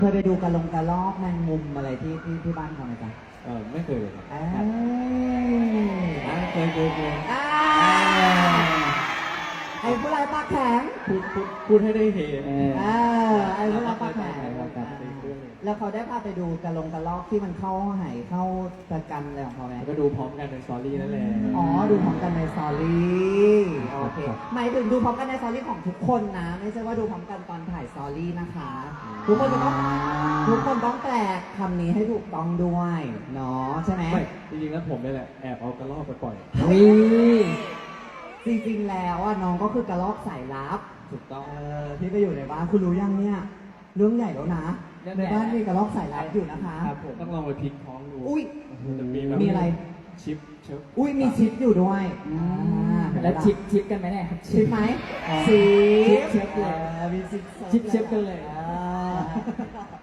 เคยไปดูกระรอกแมงมุมอะไรที่บ้านเขาไหมจ๊ะไม่เคยเลยครับเคยไอ้ผู้ร้ายปากแข็งพูดให้ได้เห็นไอ้ผู้ร้ายปากแข็งแล้วเขาได้พาไปดูกระรอกที่มันเข้าไหเข้าประกันอะไรของเขาไหมก็ดูพร้อมกันในสตอรี่นั่นแหละอ๋อดูพร้อมกันในสตอรี่โอเคหมายถึงดูพร้อมกันในสตอรี่ของทุกคนนะไม่ใช่ว่าดูพร้อมกันตอนถ่ายสตอรี่นะคะทุกคนต้องแปลคำนี้ให้ถูกต้องด้วยเนาะใช่ไหมไม่จริงๆแล้วผมนี่แหละแอบเอากระรอกไปปล่อยจริงๆแล้วน้องก็คือกระรอกสายลับถูกต้องที่ไปอยู่ในบ้านคุณรู้ยังเนี่ยเรื่องใหญ่แล้วนะในบ้านมีกระรอกสายลับอยู่นะคะครับผมต้องลองไปพลิกท้องดูอุ้ยจะมีอะไรชิปอุ้ยมีชิปอยู่ด้วยแล้วชิปกันไหมเนี่ยชิปไหมชิปเลยมีชิปชิปกันเลย